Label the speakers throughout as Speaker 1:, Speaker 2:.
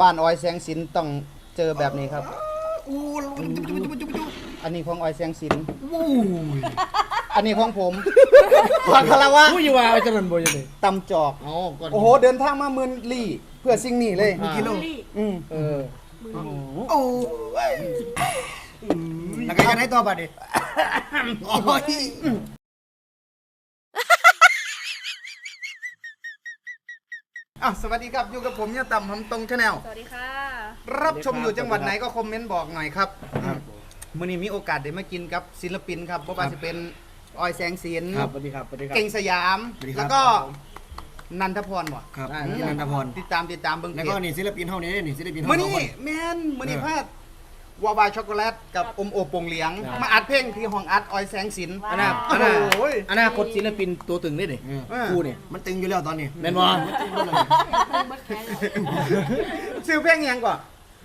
Speaker 1: บ้านออยแสงสินต้องเจอแบบนี้ครับอันนี้ของออยแสงสินอันนี้ของผมขอคารวะ
Speaker 2: ผู้อยู่ว่าจะมันบ่ยังไง
Speaker 1: ตำจอก
Speaker 2: อ๋อก่อน
Speaker 1: โอ้โหเดินทางมาหมื่นลี่เพื่อสิ่งนี้เลย
Speaker 2: กิโล
Speaker 1: เออ
Speaker 3: โอ้แล้วก็จะได้ตัวบัดดิโอ้ย
Speaker 1: สวัสดีครับอยู่กับผมเนี่ยต่ำทำตรงชาแนล
Speaker 4: สวัสดีค่ะ
Speaker 1: รับชมอยู่จังหวัดไหนก็คอมเมนต์บอกหน่อยครับมื้อนี้มีโอกาสได้มากินกับศิลปินครับบ่ว่าจะเป็นออยแสงสิน
Speaker 2: ครับสวัสดีครับสวัสดีครับ
Speaker 1: เก่งสยาม แล้วก็นันทพรบ่
Speaker 3: ครับ
Speaker 2: ได้
Speaker 3: นี่นันทพร
Speaker 1: ติดตามเบิ่ง
Speaker 3: แล้ว
Speaker 1: เพ
Speaker 3: ก็
Speaker 1: จ
Speaker 3: นี่ศิลปินเท่านี้นี่ศิลปิน
Speaker 1: มื้อ
Speaker 3: เท่า
Speaker 1: นี้
Speaker 3: คน
Speaker 1: แม่นมื้อนี้พาดวาวาช็อกโกแลตกับอมโอโป่งเหลียง มาอัดเพลงที่ห้องอัดออยแสงสิน
Speaker 2: อนาคต
Speaker 1: โอ้ย
Speaker 2: อนาคตศิลปินตัวตึงนี่ดิ คู่เนี่ย
Speaker 3: มันตึงอยู่แล้วตอนนี้
Speaker 2: แม่นบ่
Speaker 1: ชื่อเพลงยังก่อน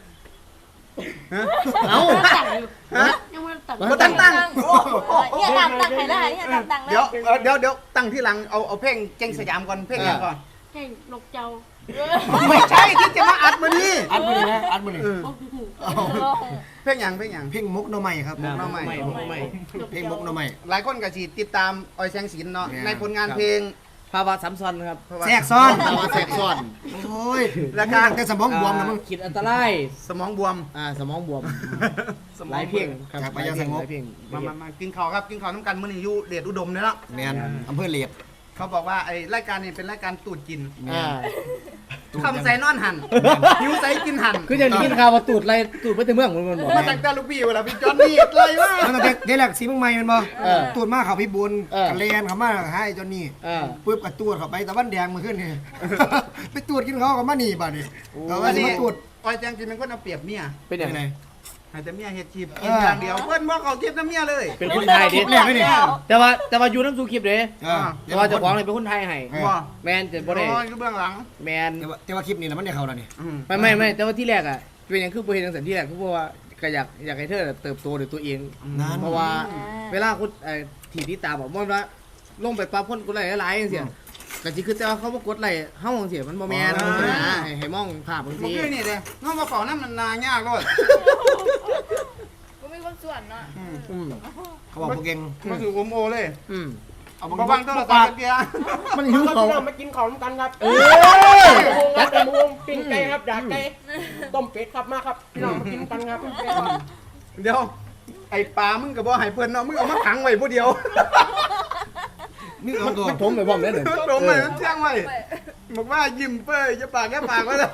Speaker 2: เอ้า
Speaker 4: ยังมันตัด
Speaker 1: บ่ตั้ง
Speaker 4: เนี่ยตังไทยได้เนี่ยตัง
Speaker 1: เดี๋ยวตั้งที่หลังเอาเพลงเก่งสยามก่อนเพลงยังก่อน
Speaker 4: แข่งนกเจ้า
Speaker 1: ไม่ใช่ที่จะมาอัดมื้อนี้
Speaker 3: อัดมือนี่นะอัดมือนี่
Speaker 1: เพลงยัง
Speaker 3: เพลงมุกโนใหม่ครับ
Speaker 1: น้องใหม่
Speaker 2: ใหม่
Speaker 3: เพลงมุกโนใหม่
Speaker 1: หลายคนก็สิติดตามออยแสงสินเนาะ
Speaker 3: เนี่ย
Speaker 1: ในผลงานเพลง
Speaker 2: ภาวะซ้ำซ้อนครับ
Speaker 3: แทรกซ้อน
Speaker 2: ภาวะแทรกซ้อน
Speaker 3: โอ้ยแล้วก็แต่สมองบวมนะมึง
Speaker 2: คิดอันตราย
Speaker 1: สมองบวม
Speaker 2: สมองบวม
Speaker 1: สม
Speaker 2: หลายเพลงครับ
Speaker 3: จากพญาสงบ
Speaker 2: หลายเพลง
Speaker 1: มากินข้าวครับกินข้าวน้ำกันมื้อนี้อยู่เดชอุดมเนี่ยเนาะ
Speaker 3: แมนอำเภอเหลียบ
Speaker 1: เขาบอกว่าไอ้รายการนี้เป็นรายการตูดกิน
Speaker 2: อ่า
Speaker 1: คำใส่นอนหันหิวใส่กินหัน
Speaker 2: คือจะกินข้าวว่าตูดไรตูดไปถึงเมืองมันบอก
Speaker 1: มาตั้งแต่ลูกพี่เวลาพี่จอนนี่เลยว่า
Speaker 3: มันแต่เด็กสีมึงใหม่มันบ่
Speaker 2: อ
Speaker 3: ตูดมาเขาพี่บุญกระเลนเขามาให้จนนี่
Speaker 2: อ่า
Speaker 3: ปุ๊บกับตูดเขาไปตะวันแดงมาขึ้นนี่ ไปตูดกินเขากับมานี่บัดนี่เอาไว้สิมาตูด
Speaker 1: ออยแจงจริงเป็นคนเอาเปรียบเมีย
Speaker 2: เป็นอย่างไร
Speaker 1: ให้แต่เมียเฮ็ดชีพกินอย่างเดียวเพิ่นบ่เขาทิพย์น้ำเมียเลย
Speaker 2: เป็นคนไทยดิ
Speaker 3: แรกเลยนี่
Speaker 2: แต่ว่าอยู่น้ำซูคลิปเด้ แต่ว่าเจ้าของเลยเป็นคนไทยให้
Speaker 1: บ่
Speaker 2: แมนจะบ่ได้
Speaker 1: โอ้ยอยู่เบื้องหลัง
Speaker 2: แมน
Speaker 3: แต่ว่าคลิปนี้นะมันได้เขาแล้วนี่
Speaker 2: ไม่แต่ว่าที่แรกอ่ะเป็นอย่างคือบ่เห็นจังซั่นที่แรกคือเพราะว่าก็อยากให้เธอเติบโตด้วยตัวเอง
Speaker 3: นั่น
Speaker 2: เพราะว่าเวลาคุณที่ติดตามบอกว่าลงไปปั๊บคนกดไลค์หลายจังซี่ก็สิคือแต่ว่าเขาบ่กดไลค์เฮาจังซี่มันบ่แม่นให้มองภาพบาง
Speaker 1: บ่
Speaker 2: ที
Speaker 1: คือนี่เด้น้องบ่เฝ้านั้นมันนายากโลด
Speaker 4: ก็มีคนส่วนเนาะ
Speaker 3: เขาบอกพวกเก่ง
Speaker 1: มาสู่อมโอเลย
Speaker 3: เอา
Speaker 1: บ่วางโทรศัพท์เกียร์
Speaker 2: มันหิวเขา
Speaker 5: มากินของกันครับ
Speaker 2: จัด
Speaker 5: กระมุงปิ้งไก่ครับดาดไก่ต้มเป็ดครับมาครับพี่น้องมากินกันครับ
Speaker 1: เดี๋ยวไอ้ปลามึงก็บ่ให้เพิ่นเนาะมึงเอามาขังไว้ผู้เดียว
Speaker 3: นี่เอาตัว
Speaker 2: มันผมไปพร้อมได้เลย
Speaker 1: โดนไปมันเที่ยงไว้บอกว่ายิ้มเป้ยจะปากแค่ปากไว้แล้ว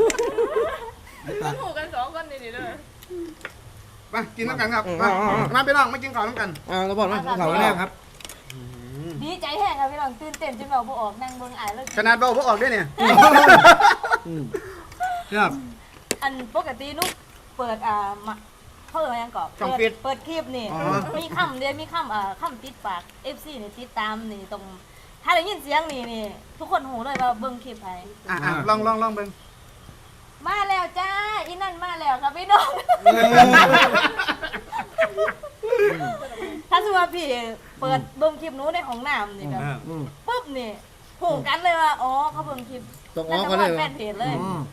Speaker 4: ถูกกัน2คนนี่เลย
Speaker 1: มากินน้ำกันครับมาไปลองมากินข้าวน้ำกัน
Speaker 2: เราบอกว่า
Speaker 3: เขาแรกครับ
Speaker 4: ดีใจแห้งครับพี่น้องตื่นเต้นจนเราบ่ออกนั่งเบิ่งอ่านแล้ว
Speaker 1: ขนาดเบาพวกออกได้เนี่ย
Speaker 3: ครับ
Speaker 4: อันปกตินุ๊กเปิดเพิ่มยังก่อนเปิดคลิปนี่มีคำเดียวมีคำติดปาก FC นี่ติดตามนี่ตรงถ้าได้ยินเสียงนี่ทุกคนหูเลยว่าเบิ่งคลิปไผ
Speaker 1: ลองเบิ่ง
Speaker 4: มาแล้วจ้าอีนั่นมาแล้วครับพี่น้องถ้าสมมติว่าพี่เปิดเบิ่งคลิปหนู้ในของน้ำนี่แบบปุ๊บนี่หูกันเลยว่าอ๋อเขาเบิ่งคลิป
Speaker 2: ต้องอ
Speaker 4: นั่
Speaker 2: อน ก
Speaker 4: จะ
Speaker 2: ก็
Speaker 4: ว่า
Speaker 2: เลย
Speaker 4: แฟนเพจเลย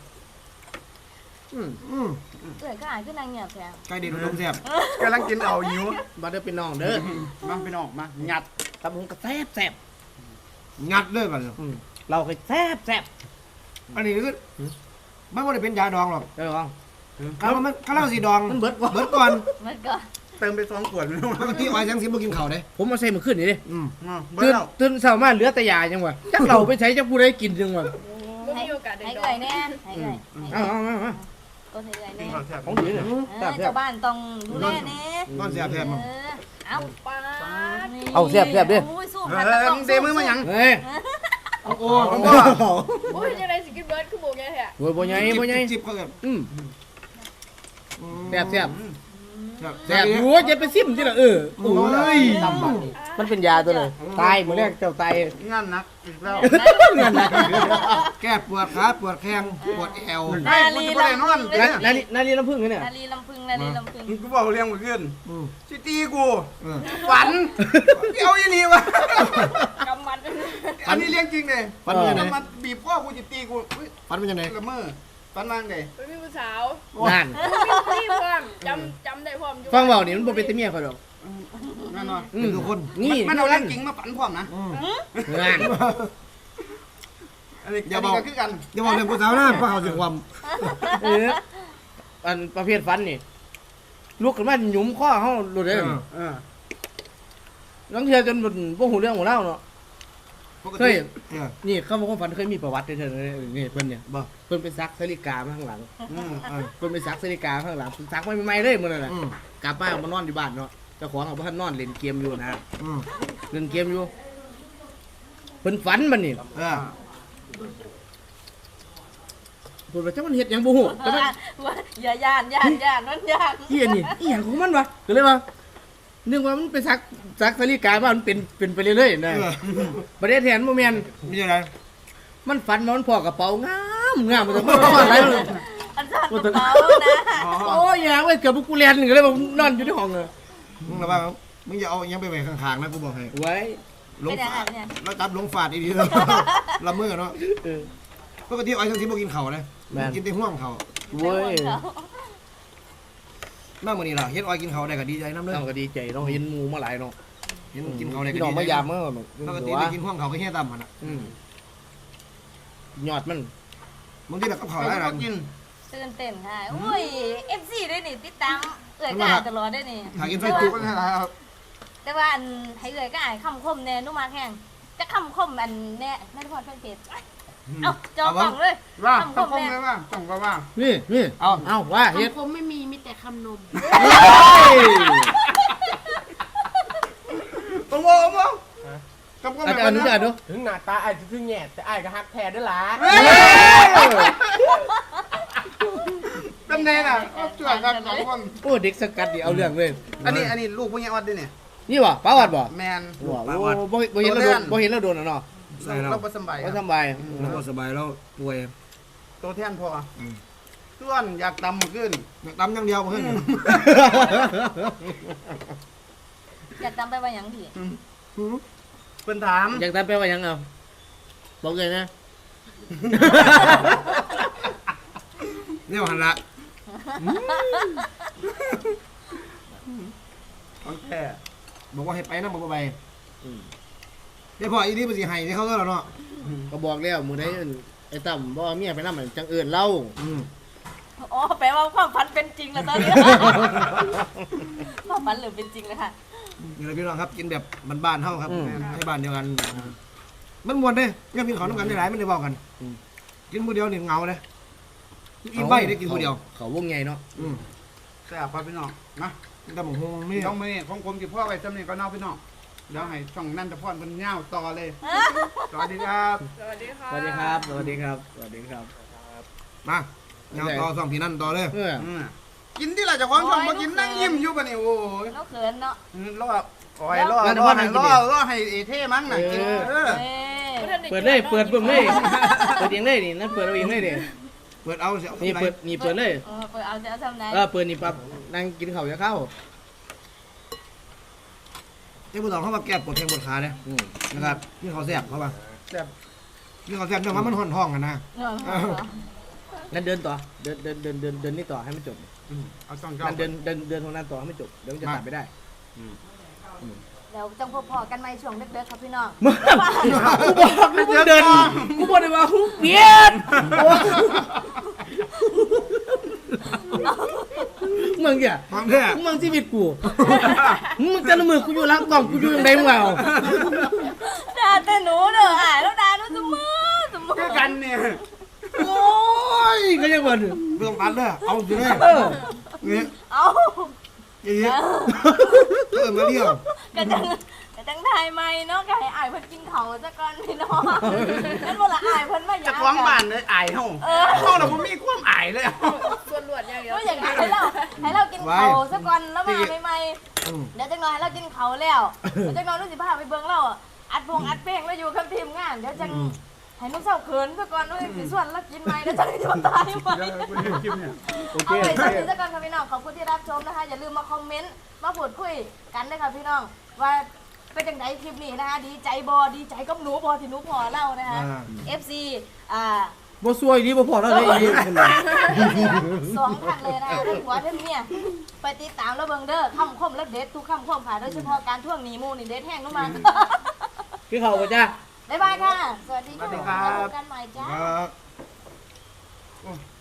Speaker 3: อืม
Speaker 4: เอ้ยก็อ่านขึ้นนางเงียบแทน
Speaker 3: ไก่เด็ดอุดมแซ่บ
Speaker 1: กำลังกินเอาหิว
Speaker 2: บัตเตอร์เป็นน้องเด้อ
Speaker 1: มาไปนอกมางัด
Speaker 2: ตำหงกระแซบ
Speaker 3: งัดเลยก่อน
Speaker 2: เราเคยแซบ
Speaker 3: อันนี้คือไม่ว่าจะเป็นยาดองหรอก
Speaker 2: ได้หรอ
Speaker 3: ข้าวเหล้าสีดอง
Speaker 2: มันเบิดก่อน
Speaker 3: เบิดก่อน
Speaker 4: มันก็
Speaker 1: เติมไป2 ขวดไม่รู้
Speaker 3: ปกติอ้อยแสงสีบ่กินข้าวเด้
Speaker 2: ผมมาใส่มือขึ้นนี่ดิ
Speaker 1: เบิร์ดแล้ว
Speaker 2: ตื่นเช้ามาเหลือแต่ยาจังวะจักเราไปใช้จักผู้ใดกินจังวะ
Speaker 4: ให้เอื่อยแน่ให้เอื่อย
Speaker 2: เอา
Speaker 4: ก็ให้เอื่อยแน่
Speaker 2: ของดีเนี่ย
Speaker 4: เจ้าบ้านต้องดูแลแน่
Speaker 3: นอนแซ่บแซ่บมั้ง
Speaker 4: เอาปา
Speaker 2: เอาแซ่บดิ
Speaker 4: อุ้ยสู้
Speaker 1: เอ
Speaker 4: พันตะก
Speaker 1: อ
Speaker 4: อง
Speaker 1: เดมือมาหยัง
Speaker 2: เฮ้ย
Speaker 3: โอ้โห
Speaker 4: โอ้ยยังไงสิกินเบิร์ดคือโบแกแท้
Speaker 2: โว้ยบ่ใหญ่บ่ใหญ่
Speaker 3: จิบเขาแบบ
Speaker 2: แซ่บ
Speaker 3: แซ่
Speaker 2: แซ่บอยู่จะไปซิมที่ละโอ้ยมันเป็นยาตัวเลยตายมื้อแรกเจ้าตาย
Speaker 1: งานหนักอีกแล้ว
Speaker 2: นั่นน่ะ
Speaker 3: แก้ปวดขาปวดแข้งปวดแอว
Speaker 1: ไอ้กูจะไปนอน
Speaker 2: นาลีน้ำผึ้งเนี่ย
Speaker 4: นาลีลำพึงนาลีลำพึง
Speaker 1: กูบอกเลี้ยงมึงขึ้น
Speaker 3: อืม
Speaker 1: สิตีกูฝันเอาอีนี่วะ
Speaker 4: กำมัน
Speaker 1: อันนี้เลี้ยงจริงเลย
Speaker 3: ฟันเป็นยังไง
Speaker 1: มันบีบข้อกูจะตีกู
Speaker 3: ฟันเป็นยังไง
Speaker 1: ละเมอฝันว่างได
Speaker 6: ไปมีผู้สาว
Speaker 2: นั่น
Speaker 6: มีพร้อมจำได้พร้อมอยู่
Speaker 2: ฟังเบานี่มันบ่เป็นแต่เมียเขาดอก
Speaker 1: แน่นอน
Speaker 3: เป็นทุกคน
Speaker 2: นี่
Speaker 1: มันเอาเรื่องจริงมาฝันพร้อมนะ
Speaker 2: นั่น
Speaker 1: อันนี้ก็คือกัน
Speaker 3: อย่าบอกเรื่องผู้สาวนะเพราะเขาสิความ
Speaker 2: อันประเภทฟันนี่ลุกขึ้นมาหยุมข้อเฮาหลุดเลย
Speaker 1: เออ
Speaker 2: ลังเทื่อจนบ่ฮู้เรื่องของเราเนาะ
Speaker 3: ปก
Speaker 2: เค
Speaker 3: ติ
Speaker 2: ย
Speaker 3: เออ
Speaker 2: นี่เขาบอกว่าฝันเคยมีประวัติเธอนี่เพิ่นเนี่ย
Speaker 3: บ่
Speaker 2: เพิ่นไปซักสลิกามาข้างหลัง
Speaker 3: เออ
Speaker 2: เพิ่นไปซักสลิกาข้างหลังซักไว้ใหม่ๆเลยมื้อนั้นน่ะ
Speaker 3: อืม
Speaker 2: กลับมามานอนอยู่บ้านเนาะเจ้าของเอาบ่ทันนอนเล่นเกมอยู่นะ
Speaker 3: อืม
Speaker 2: เล่นเกมอยู่เพิ่นฝันบัดนี้
Speaker 3: เออ
Speaker 2: เพิ่นว่าจังมันเฮ็ดหยังบ่ฮู้แต่มัน
Speaker 4: ว่าอย่าย่านนั่นย่าน
Speaker 2: อีอันนี้อีหยังของมันวะก็เลยว่านึกว่ามันไปซักสลิกาบ้านมันเป็นไปเรื่อยๆนะ
Speaker 3: เออ
Speaker 2: ประเด็นแทนบ่แม่น
Speaker 3: มีอะไร
Speaker 2: มันฝันว่ามันพอกระเป๋างามมันจะบ่ว่าอะไรเลย
Speaker 4: อันสั่นกระเป๋านะ
Speaker 2: โอ้ยอย่าเว้ยเกือบกูเรียนก็เลยว่านอนอยู่ในห้องเลย
Speaker 3: มึงระวังมึงอย่าเอาอยังไปไว้ข้างๆนะกูบอกให้
Speaker 2: ไว้
Speaker 3: หลง
Speaker 4: เป็นยังไง
Speaker 3: ฟาด
Speaker 4: เนี่ย
Speaker 3: แล้วจับหลงฟาดอีกทีแล้วละเมอเนาะ
Speaker 2: เออ
Speaker 3: ปกติอ้อยทั้งที่บ่กินข้าวนะ
Speaker 2: แม่น
Speaker 3: กินแต่ห่วงข้าว
Speaker 2: เว้ย
Speaker 3: มามื้อนี้ล่ะเฮ็ดอ้อยกินข้าวได้ก็ดีใจนำเด้อ
Speaker 2: เราก็ดีใจเนาะเห็นหมูมาหลายเนาะ
Speaker 3: เห็นกินข้าวได้ก็
Speaker 2: พี่น้อง
Speaker 3: ดี
Speaker 2: มา
Speaker 3: ใจ
Speaker 2: ยามเมื่อ
Speaker 3: ปกติไปกินห่วงข้าวก็เฮ็ดตามมันน่ะ
Speaker 2: ยอดมัน
Speaker 3: บางทีแบบกับข้าว
Speaker 1: เขา
Speaker 3: ได้
Speaker 1: ก็
Speaker 3: ล่ะ
Speaker 1: กิน
Speaker 4: ตื่นเต้นค่ะอุ้ย FC ด้วยนี่ติดตามเอื้อยกาตลอดด้วยนี่
Speaker 3: ถ้ากินไฟ
Speaker 1: ไป
Speaker 3: จุ
Speaker 1: จุกกันครับ
Speaker 4: แต่ว่าอันให้เอื้อยก็อ่านคำคมแน่นุ่มมากแห้งจะคำคมอันแน่แม่ทุกคนเพิ่นเพจเอ้าจอกล่องเลย
Speaker 1: ว่าต้องคมเลยว่าต้องก็ว่า
Speaker 2: นี่เอาว่าเฮ็ด
Speaker 6: คำคมไม่มีแต่คำนม
Speaker 1: ต้องบอกต้องกับก็
Speaker 2: อา
Speaker 1: แบบ
Speaker 2: จารย์ดูอาจารย์ดู
Speaker 5: ถึงหน้าตาไอ้ถึงแง่แต่ไอ้ก็ฮักแท้ด้วยล่ะ
Speaker 1: ตำแหน่งอ่ะช่วยกันสองคน
Speaker 2: โอ้เด็กสกัดดิเอาเรื่องเลย
Speaker 1: อันนี้ลูกพวกนี้ออดด้วยเนี่ย
Speaker 2: นี่วะป้าวัดบ่
Speaker 1: แมน
Speaker 2: ว้าวบ่เห็นแล้วโดนบ่เห็นแล้วโดนอ่ะเนาะ
Speaker 3: ใส่แล้ว
Speaker 1: เราบ่สบาย
Speaker 2: ก็สบาย
Speaker 3: แล้วก็สบายแล้วป่วย
Speaker 1: ตัวแทนพอส่วนอยากตำขึ้น
Speaker 3: อยากตำอย่างเดียวบ่ขึ้น
Speaker 4: อยากจำไปว่าหยังดี
Speaker 1: เพิ่นถาม
Speaker 2: อยากตามไปว่าหยังเอาบอกเลยนะ
Speaker 3: เนี่ยหันละ
Speaker 1: ของแท้
Speaker 3: บอกว่าให้ไปนะบอกว่าไปเดี๋ยวพออีนี่มันสิให้ที่เขาแล้วเนาะ
Speaker 2: ก็บอกแล้วมื้อใดไอ้ตั้มบ่เมียไปนำจังเอิ้นเล่า
Speaker 4: อ๋อแปลว่าความฝันเป็นจริงแล้วตอนนี้ความฝันเหลือเป็นจริงเลยค่ะ
Speaker 3: นี่แหละพี่น้องครับกินแบบบ้านๆเฮาครับให้บ้านเดียวกัน มันม่วนเด้ยังกินข้าวน้ำกันได้หลายไม่ได้บอกกันกินมื้อเดียวนี่เหงาเลยกินใบได้กินมื้อเดียว
Speaker 2: เขาวงใหญ่เนาะ
Speaker 1: แซ่บป่ะพี่น้องนะ
Speaker 3: แต่หมูฮงนี่
Speaker 1: ต้องมือของผมที่พ่อไว้จำนี่ก็นอกพี่น้องเดี๋ยวให้ช่องนั่นจะพ่อนเป็นเงาต่อเลยสวัสดีครับ
Speaker 6: สวัสดีค่ะ
Speaker 2: สวัสดีครับ สวัสดีครับ สวัสดีครับ
Speaker 3: มาเงาต่อสองพี่นั่นต่อเลย
Speaker 1: กินที่ไรจะของช่องมากินนั่งยิ้มอยู่ปะนี่โอ้ย
Speaker 4: น้องเขินเนาะ
Speaker 1: รอคอยรอให้เอเท่มั้งน่ะกิน
Speaker 4: เอ้ย
Speaker 2: เปิดเลย เปิดเบิ่งเลย เปิดเองเลยนี่นั่นเปิดเอาเองเลยเด้
Speaker 3: เปิดเอาเสีย
Speaker 2: นี่เปิดนี่เปิดเลย
Speaker 4: เปิดเอาจะทำไหน
Speaker 2: เปิดนี่ปั๊บนั่งกินข้าวจะเข้า
Speaker 3: เจ้าผู้สองเขามาแก้ปวดแข้งปวดขาเนี่ยนะครับนี่เขาแซ่บเขาป่ะ
Speaker 1: แซ่บ
Speaker 3: นี่เขาแซ่บเนื่องว่ามันห่อนท้องกันนะ
Speaker 2: นั่นเดินต่อ เดินนี่ต่อให้มันจบ
Speaker 1: เอาช่อง
Speaker 2: นั่นเดินของนั่นต่อให้มันจบ เดี๋ยวมันจะตัดไม่ได้
Speaker 4: เดี๋ยวจังพอกันไหมช่วงเด็กๆครับพี่น้อง
Speaker 2: กูบอกเลยว่าเดิน กูบอกเลยว่ากูเปลี่ยนมึงอย่า
Speaker 3: ความแท้
Speaker 2: มึงชีวิตกูมึงจะละมือกูอยู่หลังกล่องกูอยู่ยังไงมึงเอา
Speaker 4: ด่าแต่หนูเด้ออ่านแล้วด่าหนูเสมอ
Speaker 1: คือกันเนี่ย
Speaker 2: โอ้ยก็ยังบ่น
Speaker 3: ไม่ต้องตัดเลยเอาสิเลยนี่
Speaker 4: เอา
Speaker 3: อย่างนี้มาเรียว
Speaker 4: กระจังไทยไหมเนาะก็ให้อายเพิ่นกินเขาซะก่อนพี่น้องนั่นบ่ละอายเพิ่นมาห
Speaker 1: จะ
Speaker 4: ยา
Speaker 1: คล้องบ้านเลยอายเฮาเฮาเราบ่มีความอายเลย
Speaker 6: ส่วนรวดอย่างเดียว
Speaker 4: ก็อย่างให้เรากินเขาซะก่อนแล้วมาใหม่ๆเดี๋ยวจังน้อยให้เรากินเขาแล้วเดี๋ยวจังน้อยนู้นสิพาไปเบิ่งเราอัดเพลงแล้วอยู่กับทีมงานเดี๋ยวจังให้นุ่มเศร้าเขินซะก่อนนู้นสิส่วนแล้วกินไหมแล้วจังจะตายไหม เอาไปสวัสดีกันค่ะพี่น้องขอบคุณที่รับชมนะคะอย่าลืมมาคอมเมนต์มาพูดคุยกันด้วยค่ะพี่น้องว่าเป็นจังไดคลิปนี้นะคะดีใจบอดีใจกับหนูบอที่หนูพอเล่านะคะ FC
Speaker 2: บ่ซวยดีบ่พอแล้วได้อีก
Speaker 4: สองท่านเลยนะทั้งผัวทั้งเมียไปติดตามแล้วเบิ่งเด้อคำคมและเด็ดทุกคำคมค่ะโดยเฉพาะการท่วงหนีหมูนี่เด็ดแห้งนุ่มมาก
Speaker 2: พี่เขาบ่จ้า
Speaker 4: บ๊ายบายค่ะ สวัสดีค่ะ
Speaker 1: สวัสดีครับ
Speaker 4: พบกันใหม่จ้า
Speaker 3: ครับ